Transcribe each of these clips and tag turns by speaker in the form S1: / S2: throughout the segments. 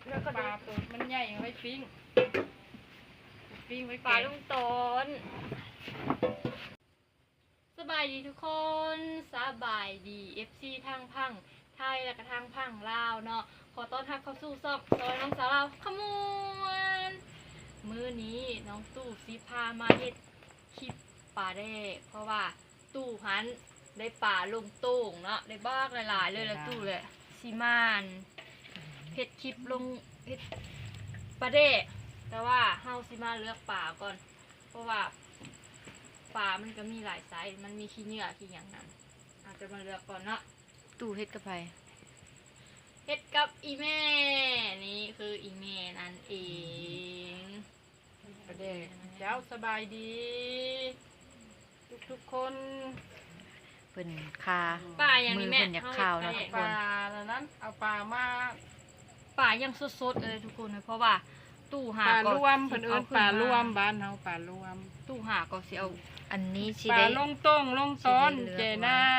S1: แล้วก็ปลาตัวมันใหญ่ไว้ปิ้งไว้ป
S2: ปลา
S1: ลา
S2: ลุงตนสบายดีทุกคนสบายดี FC ทางพังไทยและก็ทางพังลาวเนาะขอต้อนรับเข้าสู่ซอกซอยน้องสาวเราขมวนมื้อนี้น้องตู้ซีพามาเฮ็ดคลิปปลาแดกเพราะว่าตู้หันได้ปลาลงโต่งเนาะได้บ้ากหลายๆเลยแล้วตู้เลยซีมานเฮ็ดคลิปลงเฮ็ดปลาแดกแต่ว่าเฮาสิมาเลือกปลาก่อนเพราะว่าปลามันก็มีหลายไซส์มันมีขี้เหงื่อขี้อย่างนั้นอาจจะมาเลือกก่อนเนาะ
S3: ตู้เฮ็ดกับไผ
S2: เฮ็ดกับอีแม่นี่คืออีแม่นั่นเอง
S1: ประเด็กเจ้าสบายดี ทุกคน
S3: เพิ่นคา
S2: ปลาอย่าง
S3: มื
S2: นี้
S3: อ
S2: แม่
S3: เพิ่นอยากข้าวเนาะทุก
S1: ป
S3: คน
S1: ลาแล้วนั้นเอาปลามา
S2: ปลายังสดๆเลยทุกคนเลยเพราะว่าตู้หา
S1: ปลา
S2: ก็
S1: ร่วมเพิ่นเอิ้นปลาร่วมบ้านเฮาปลาร่วม
S2: ตู้หาก็สิเอา
S3: อันนี้สิ
S1: ปลา
S3: ได้
S1: ลงต้งลงต้น
S3: สิได้เลือก
S1: เจน่า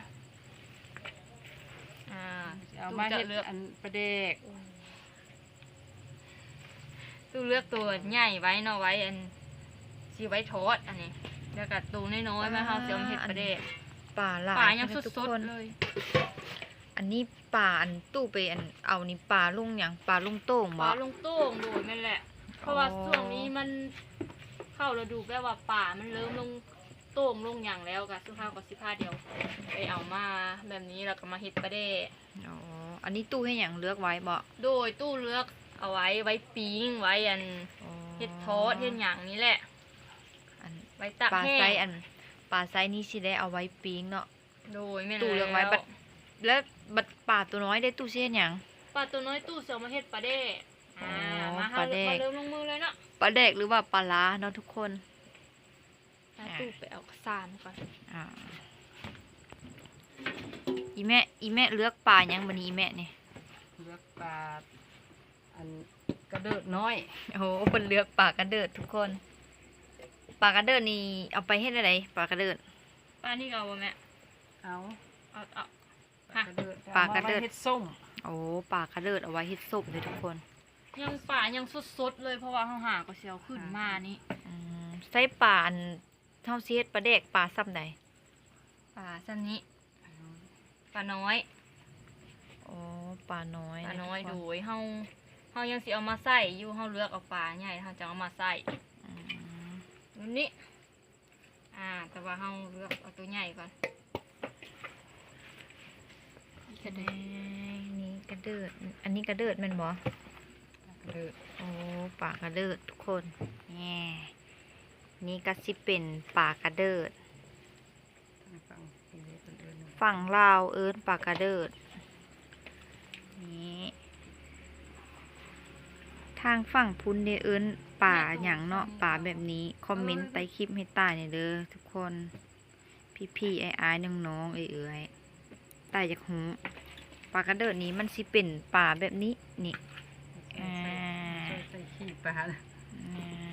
S2: อ่า
S1: เอามา
S2: ตู้
S1: เฮ็
S2: จะ
S1: ด
S2: เลือก
S1: อันประเด็ก
S2: ตู้เลือกตัวใหญ่ไว้เนาะไว้อันสิไว้ทอดอันนี้แล้วก็ตัวน้อยๆมาเฮาสิเอามาเฮ็ดปลาแดก
S3: ปลาหลาย
S2: ปลายัง
S3: นะ
S2: ส
S3: ทุก
S2: ด
S3: คน
S2: ๆเลย
S3: อันนี้ปลาอันตู้ไปอันเอานี่ปลาลุงหยังปลาลุงโต่ง
S2: ป
S3: บ่
S2: ลาลงโต่งโดยนั่นแหละ เพราะว่าช่วงนี้มันเข้าฤดูแบบว่าป่ามันเริ่มลงโต่งลงอย่างแล้วกะสุภาพกับสิพาเดียวไปเอามาแบบนี้แล้วก็มาเฮ็ดปลาแดก
S3: อ๋ออันนี้ตู้ให้หยังเลือกไว้บ่
S2: โดยตู้เลือกเอาไว้ปิ้งไว้อัน
S3: อ๋อ
S2: เฮ็ดทอดเฮ็ดหยังนี้แหละ
S3: อัน
S2: ไว้ตัก
S3: ปลา
S2: แห้
S3: ไซ
S2: ง
S3: อันปลาไซนี้สิได้เอาไว้ปิ้งเนาะ
S2: โดยแม่น
S3: ตู้เลือกไว้บัด แล้วบัดปลาตัวน้อยได้ตู้สิเฮ็ดหยัง
S2: ปลาตัวน้อยตู้เสือมาเฮ็ดปลาแดก
S3: อ๋อ
S2: มา
S3: ปลาแดก
S2: เริ่มลงมือเลยเนาะ
S3: ปลาแดกหรือว่าปลาล้าเนาะทุกคน
S2: ตู้ไปเอาสารก่อน
S3: อ่าอีแม่เลือกปลาหยังบัดนี้อีแม่นี่
S1: เลือกปลาอันกระเดิดน้อย
S3: โอ้โหเพิ่นเลือกปลากระเดิดทุกคน ปลากระเดิดนี่เอาไปเฮ็ดอะไรปลากระเดิด
S2: ปลานี่ก็เอาบ่แม่
S1: เอา
S2: เอา
S1: ปลากระเดิด
S3: ปลากระเดิด
S1: อมไว้เฮ็ดส้ม
S3: โอ้ปลากระเดิดเอาไว้เฮ็ดซุปเลยทุกคน
S2: ยังป่ายังสดๆเลยเพราะว่าเฮาหาก็สิเอาขึ้นมานี่
S3: ใส่ปลาอันเท่าสิเฮ็ดปลาแดกปลาซ้ำใด
S2: ปลาสันนี้ปลาน้อย
S3: โอ้ปลาน้อย
S2: ปลาน้อย
S3: ทุ
S2: โด
S3: กคน
S2: ยเฮายังสิเอามาใส่อยู่เฮาเลือกเอาปลาใหญ่เฮาจะเอามาใส่
S3: อืม
S2: รุ่นนี้แต่ว่าเฮาเลือกเอาตัวใหญ่ก่อน
S3: กระเดิดนี่กระเดิด อันนี้กระเดิดแม่นบ่
S1: กระเดิด
S3: โอ้ปลากระเดิดทุกคนแง่นี่ก็สิเป็นปลากระเดิด
S1: ฟังเพลงนี้เพิ่นเอิ้น
S3: ฝั่งลาวเอิ้นปลากระเดิดนี่ทางฝั่งพุ้นเดเอิ้นป่าหยังเนาะป่าแบบนี้คอมเมนต์ใต้คลิปให้ตายเนี่ยเด้อทุกคนพี่ๆไอ้ๆน้องๆเอ้ยๆตายจากหูปลากระเดิดนี้มันสิเป็นป่าแบบนี้นี่
S1: ใส่ขี้ปลา
S3: อ่า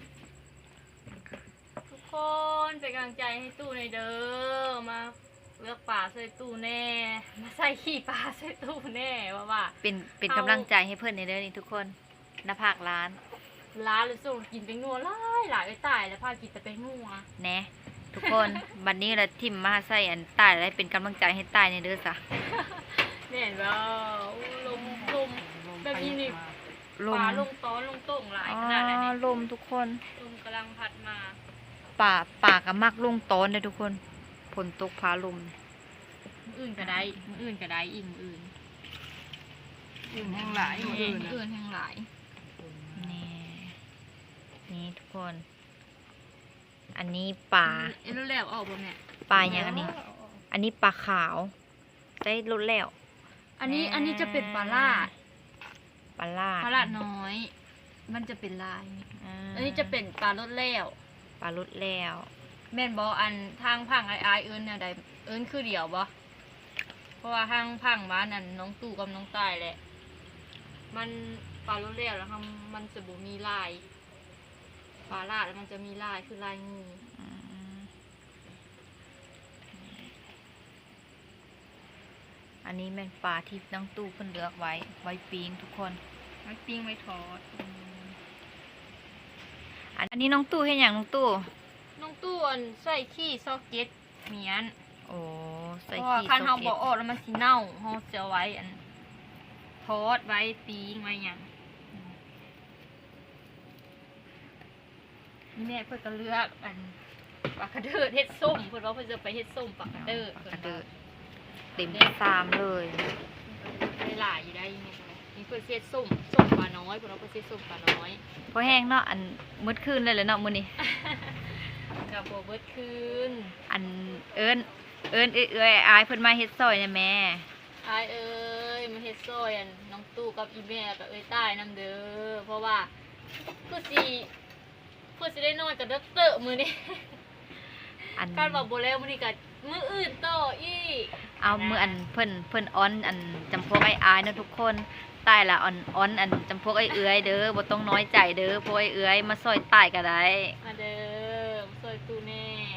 S2: ทุกคนเป็นกำลังใจให้ตู้ในอยเด้อมาเลือกปลาใส่ตู้แน่มาใส่ขี้ปลาใส่ตู้แน่ว่า
S3: เป็น
S2: เอา
S3: กำลังใจให้เพื่อนในเด้อนี่ทุกคนหน้าภาคร้าน
S2: ร้านหรือส่งกินเป็นนัวหลายตายแล้วพากินแต่เป็นนัว
S3: แหนะทุกคน บัดนี้เราทิมมาใส่อันตายอะไรเป็นกำลังใจให้ตายในเด้อจ้ะ
S2: เนี่ยเห็นว่าลมแบบนี้นี่
S3: ล
S2: ปลาม ลงต้อนลงโต่งหลาย
S3: อ๋อ
S2: ขนาดนั้นนี่
S3: ลมทุกคน
S2: ลมกำลังพัดมา
S3: ป่ากับมักลงต้นเลยทุกคนฝนตกฟ้าลม
S2: อื่นก็ได้อื่นก็ได้อีกอื่น
S1: อื่นแห้งหลายมื้ออื่นน่ะ
S2: อื่นแห่งหลาย
S3: นี่นี่ทุกคน อันนี้ป่า
S2: รู้แล้วออกบ่เนี่ย
S3: ป่าอย่างอันนี้ อันนี้ปลาขาวได้รถแล้ว
S2: อันนี้จะเป็นปลาลาด
S3: ปลาลาด
S2: ปลาลาดน้อย มันจะเป็นลาย อันนี้จะเป็นปลารสแล้ว
S3: ปลารถแล้ว
S2: แม่นบ่อันทางพังไอ้เอิ้นแนวใดเอิ้นคือเดียวบ่เพราะว่าทางพังบ้านนั่นน้องตู่กับน้องตายแหละ มันปลารสแล้วครับมันจะบ่มีลายปลาลาดแล้วมันจะมีลายคือลายงู
S3: อืมอันนี้เป็นปลาที่น้องตู้เพิ่นเลือกไว้ปิ้งทุกคน
S2: ไว้ปิ้งไว้ทอด
S3: อันนี้น้องตู้เฮ็ดหยังน้องตู้
S2: น้องตู้อันใส่ขี้ซอกเก็ตเมียน
S3: โอ้
S2: เพ
S3: ใส่
S2: ราะว่า
S3: ขี้
S2: คันเฮา
S3: โซ
S2: บ่
S3: เก็ต
S2: ออกแล้วมันสิเน่าเฮาจะเอาไว้อันทอดไว้ปิ้งไว้หยังนี่แม่เพิ่นก็เลือกอันปลากระเดิดเฮ็ดส้มเพิ่นว่าเพิ่นจะไปเฮ็ดส้มปลากระเดิด
S3: ปลากระเดิดเต็มฟาร์มเลย
S2: ได้หลายอยู่ได้ยังไงนี่เพิ่นเฮ็ดส้มปลาน้อยเพิ่นว่าเพิ่นเฮ็ดส้มปลาน้อย
S3: พอแห้งเนาะอันมืดคืนเลยเลยเนาะมื้อนี้
S2: กับบ่เบิดคืน
S3: อันเอิ้นเอ้ยอายเพิ่นมาเฮ็ดซอยเนี่ยแม่
S2: อายเอ้ยมาเฮ็ดซอยอันน้องตู้กับอีแม่กับเอ้ยใต้นำเด้อเพราะว่าเพื่อสิได้นอนกับเด้อเตอะมื้อนี้
S3: อัน
S2: การบอกบ่แล้วมื้อนี้ก็มื้ออื่นต่ออีก
S3: เอามืออันเพิ่นอ้อนอันจำพวกไอ้อายเนาะทุกคนใต้ละอ้อนอันจำพวกไอ้เอื้อยเด้อบ่ต้องน้อยใจเด้อพวกไอ้เอื้อยมาซอยใต้ก็ได้
S2: มาเด้อมาซอยตู้แน่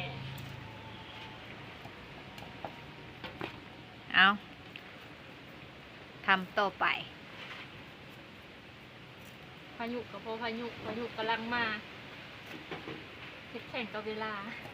S3: เอาทำต่อไป
S2: พายุกับพายุกำลังมาเฮ็ดแข่งกับเวลา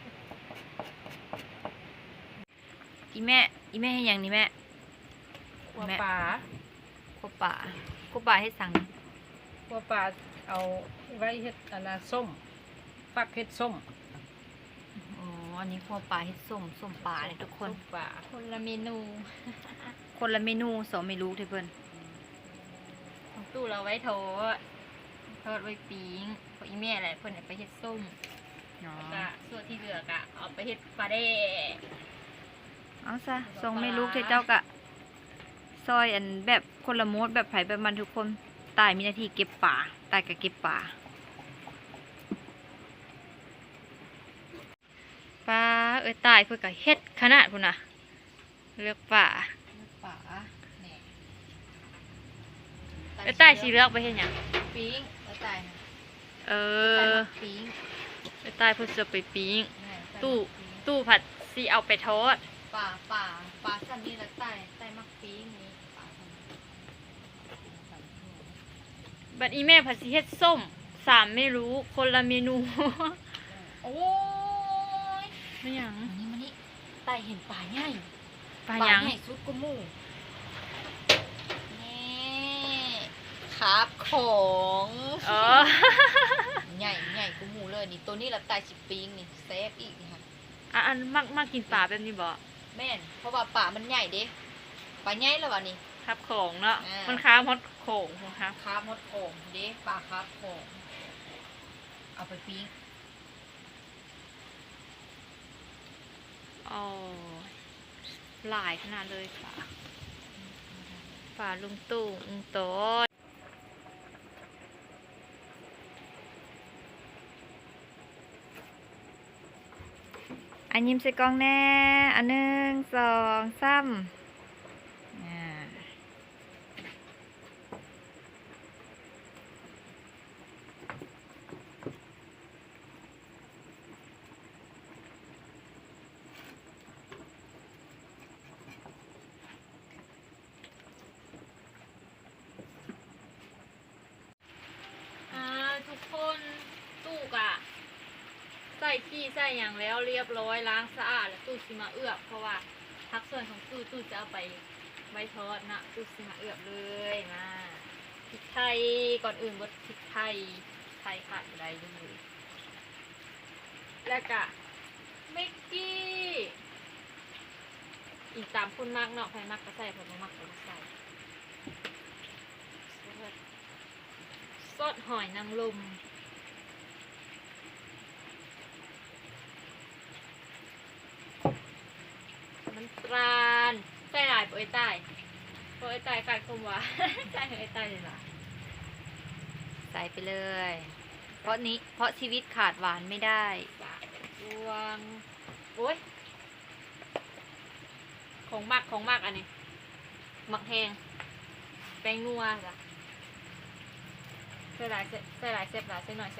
S3: อีแม่ให้หยังนี่แม่
S1: ขัวปลา
S3: คั่วป่าให้สั่ง
S1: ขัวปลาเอาไว้เฮ็ดอันน่ะส้มฟักเฮ็ดส้ม
S3: อ๋ออันนี้คั่วป่าเฮ็ดส้มป่าเลยทุกคน
S1: ส้มปลา
S2: คนละเมนู
S3: คนละเมนูสองเมนูเด้อเพิ่น
S2: ของตู้เราไว้ทอดไว้ปิ้งพออีแม่แหละเพิ่นเอาไปเฮ็ดส้ม
S3: อ๋อ
S2: ก็ส่วนที่เหลือกะเอาไปเฮ็ดปลาแดก
S3: เอาซะสองเมนูที่เจ้ากะซอยอันแบบคนละโมดแบบไผแบบมันทุกคนตายมีหน้าที่เก็บป่าตายก็เก็บป่าปลาเอ้ยตายเพิ่นก็เฮ็ดขนาดพุ่นน่ะเลือกป่า
S2: ป่าแหน่
S3: เอ้ยตายสิเลือกไปเฮ็ดหยัง
S2: ปิ้งแล้วตายนะ
S3: เออ
S2: ปิ้ง
S3: เอ้ยตายเพิ่นจะไปปิ้ง
S2: แหน่
S3: ตู้ผัดสิเอาไปทอด
S2: ป่าสันนี่แล้วตายมักปิ้งนี่ป่าสันนี่
S3: บัดอีแม่ผัดสิเฮ็ดส้ม3ไม่รู้คนละเมนู
S2: โอ้ย
S3: ไม่หยัง
S2: มานี่ตายเห็นป่าใหญ่
S3: ปลาหยัง
S2: ใหญ่สุดก็หมู่นี่ครับของ
S3: เออ
S2: ใหญ่กูหมูเลยนี่ตัวนี้ละตาย10 ปีงนี่แซ่บอีกนี่ค่ะ
S3: อันมักกินปลาแบบนี้บ่
S2: แม่นเพราะว่าป่ามันใหญ่เด้ป่าใหญ่แล้ววะนี่
S3: ครับของเนาะ
S2: อ่ามั
S3: มันค้าฮอดของครับ
S2: คาบมดโอ่งเด้ป่าคาบโอ่งเอาไปปิ้ง
S3: อ๋อหลายขนาดเลยป่าลุงตู่ลุงโตดอันยิ้มใส่กล้องแน่อันหนึ่งสองสาม
S2: ทุกคนตู้กะใส่ขี้ใส่อย่างแล้วเรียบร้อยล้างสะอาดแล้วตู้สิมาเอือบเพราะว่าทักส่วนของตู้จะเอาไปไว้ทอดนะตู้สิมาเอือบเลยนะพริกไทยก่อนอื่นบดพริกไทยขาดอะไรเลยแล้วก็เมกกี้อีกตามคนมากเนาะใครมากก็ใส่ผมมากก็ใส่ซอสหอยนางรมน้ำตาลใส่หลายโปรยใต้ขาดคมหวาน ใส่โปรยใต้เลยล่ะ
S3: ใส่ไปเลย เพราะชีวิตขาดหวานไม่ได้
S2: รวงโอ้ยของมากอันนี้หมักแห้งแป้งนัวจ้ะใส่หลายเซฟหลายใส่หน่อย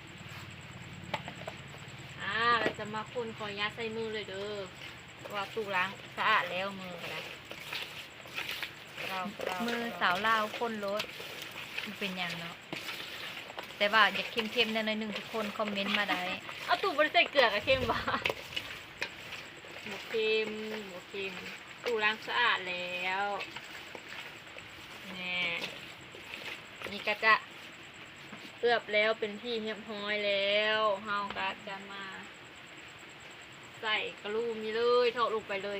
S2: เราจะมาคนขอยัดใส่มือเลยเด้อว่าตู้ล้างสะอาดแล้วมือก็ได้เรา
S3: มือสาวลาวคนรถมันเป็นอย่างเนาะแต่ว่าอยากเค็มๆแน่หน่อยหนึงทุกคนคอมเมนต์มาได้
S2: เอาตู่บริใส่เกลือกับเค็มบ่หมูเค็มตู่ล้างสะอาดแล้วแน่นี่ก็จะเอือบแล้วเป็นที่เรียบร้อยแล้วเฮาก็จะมา ใส่กระลูมนี่เลยเทาะลงไปเลย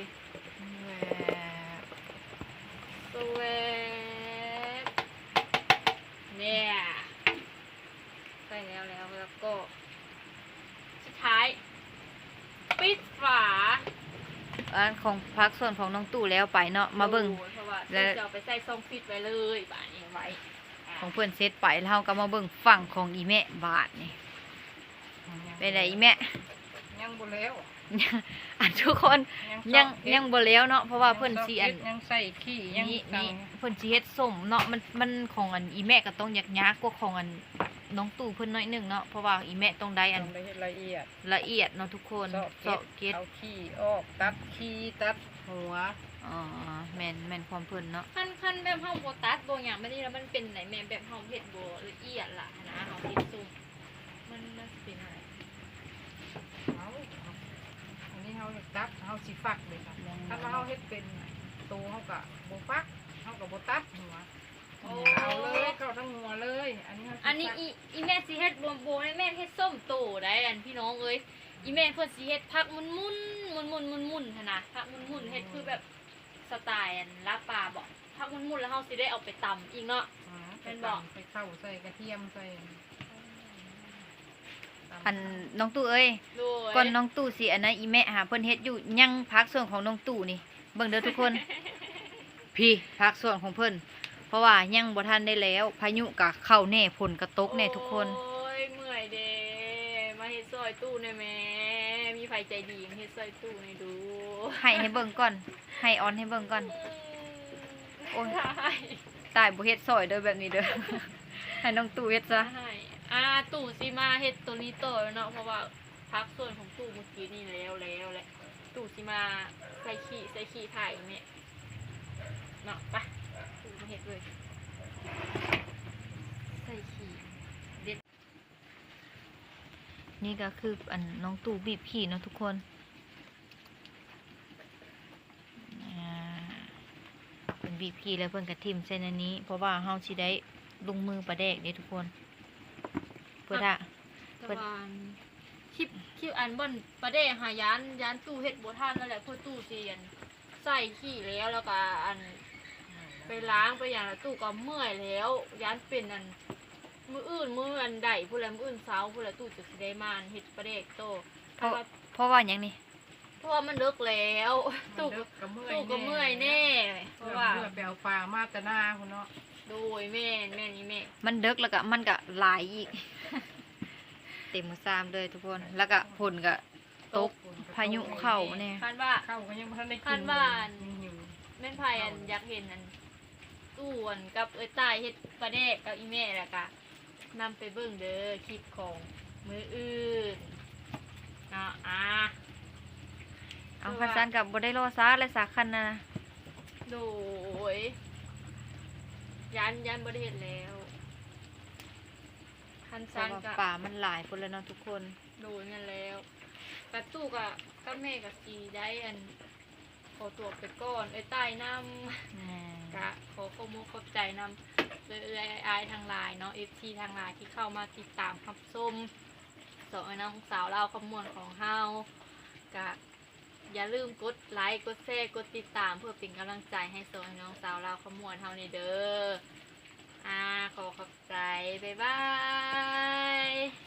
S2: สวบเนี่ยใส่แล้วก็สุดท้ายปิดฝา
S3: อันของพักส่วนของน้องตู่แล้วไปเนาะมาเบิ่ง
S2: เพราะว่า
S3: และ
S2: จะเอาไปใส่ซองฟิตไว้เลยบาทนี้ไว้
S3: ของเพื่อนเซตไปแล้วเราก็มาเบิ่งฝั่งของอีแม่บาทนี่เป็นไรอีแม่
S1: ยังบ่แล้ว
S3: อันทุกคนยังบ่แล้วเนาะเพราะว่าเพิ่นสิอัน
S1: ยังใส่ขี้ยัง
S3: นี่
S1: ตัง
S3: เพิ่นสิเฮ็ดส้มเนาะมันของอันอีแม่ก็ต้องยากกว่าของอันน้องตู่เพิ่นน้อยหนึงเนาะเพราะว่าอีแม่ต้องได้อัน
S1: ต้องได้ละเอียด
S3: ละเอียดเนาะทุกคน
S1: เสาะเก็ดเอาขี้ออกตัดขี้ตัดหัว
S3: อ๋อแม่นความเพิ่นเนาะ
S2: ขั้นแบบเฮาโบตัสโบอย่างไม่ได้แล้วมันเป็นไหนแม่แบบเฮาเผ็ดโบละเอียดล่ะนะเฮาเผ็ดซุ่มมันเป็นอะไร
S1: เอาอันนี้เฮาตัดเฮาสิฟักเลยค่ะถ้าว่าเฮาเฮ็ดเป็นตัวเฮาก็บ่ฟักเฮาก็บ่ตัดหัวเอาเลยเข้าทั้งหัวเลย อันนี้เฮาสิ
S2: อันนี้
S1: ฟัก
S2: อีแม่สิเฮ็ดโบให้แม่เฮ็ดส้มโตได้อันพี่น้องเอ้ยอีแม่เพิ่นสิเฮ็ดผักมุนหั่นนะผักมุนเฮ็ดคือแบบสไตล์อันลาบปลาบ่ผักมุนแล้วเฮาสิได้เอาไปตำอีกเนาะ เป็นบอก
S1: ไปเข้าใส่กระเทียมใส่
S3: อันน้องตู่เอ้ย
S2: โดย
S3: ก่อนน้องตู่สิอันนั้นอีแม่หาเพิ่นเฮ็ดอยู่ยังพักส่วนของน้องตู่นี่เบิ่งเด้อทุกคน พี่พักส่วนของเพิ่นเพราะว่ายังบ่ทันได้แล้วพายุก็เข้าแน่ฝนก็ตกแน่ทุกคน
S2: โอ้ยเมื่อยเด้มาเฮ็ดซอยตู้หน่อยแม่มีไผใจดีมาเฮ็ดซอยตู้ให้ดู
S3: ให้เบิ่งก่อนให้ออนให้เบิ่งก่อน โอ้ย
S2: ได้
S3: ตายบ่เฮ็ดซอยเด้อแบบนี้เด้อ ให้น้องตู่เฮ็ดซะ
S2: ได้ตู้สิมาเฮ็ดตัวนี้ต่อแล้วเนาะเพราะว่าพักส่วนของตู้เมื่อกี้นี่แล้วแหละตู้สิมาใส่ขี้ถ่ายแม่เนาะไปตู้มาเฮ็ดเลยใส่ขี้เด็ด
S3: นี่ก็คืออันน้องตู่บีบขี้เนาะทุกคนเป็นบีบขี้แล้วเพิ่นก็ทิ่มใส่ในนี้ เพราะว่าเฮาสิได้ลงมือประแดกเด้ทุกคนเพื่อถ้า
S2: ตะวันคลิปอันบนประเดหายานตู้เฮ็ดบ่ทันนั่นแหละเพื่อตู้เสียนใส่ขี้แล้วก็อันไปล้างไปอย่างละตู้ก็เมื่อยแล้วยานเป็นอันมื้ออันใดผู้ใดมื้ออื่นเช้าผู้ใดตู้จะสิได้มาเฮ็ดประเดกโต
S3: เพราะว่าหยังนี่
S2: เพราะว่ามันเลิกแล้วตู้ก็เมื่อยแน่เพ
S1: เพราะ
S2: ราะ
S1: ว่า
S2: ว่า
S1: ไปเอาปลามาแตะหน้าพุ่นเนาะ
S2: โดยแม่นี่แม่
S3: มันเดึกแล้วก็มันก็หลายอีก เต็มมือซ้ำเลยทุกคน แล้วก็ฝนก็ตกพายุเข้าเนี่ย
S2: คันว่า
S1: เข้าก็ยังบ่ทันได้กิน
S2: คันว่า
S1: ยังหิว
S2: แม่นไผอันอยากเห็นอันตู้อันกับเอ้ยตายเฮ็ดปลาแดกกับอีแม่แล้วก็นำไปเบิ่งเด้อคลิปของมืออื่นเนาะ
S3: เอาคันซันกับบ่ได้รอซาและสาคันนะ
S2: โดยยันบ่ได้เฮ็ดแล้วคัน
S3: เพ
S2: ซั
S3: ราะ
S2: น
S3: ว่า
S2: ก็
S3: ป่ามันหลายพุ่นแล้วเนาะทุกคน
S2: โดยนั่นแล้วกระตู้กับแม่กับสีได้อันขอตัวไปก่อนไอ้ใต้น้ำกะขอขอบคุณขอบใจนำเลยอายทางไลน์เนาะ FT ทางไลน์ที่เข้ามาติดตามรับชมสองไอ้น้องสาวเราขมวลของเฮากะอย่าลืมกดไลค์กดแชร์กดติดตามเพื่อเป็นกำลังใจให้สองไอ้น้องสาวเราขมวลเฮาในเด้อขอขอบใจบ๊ายบาย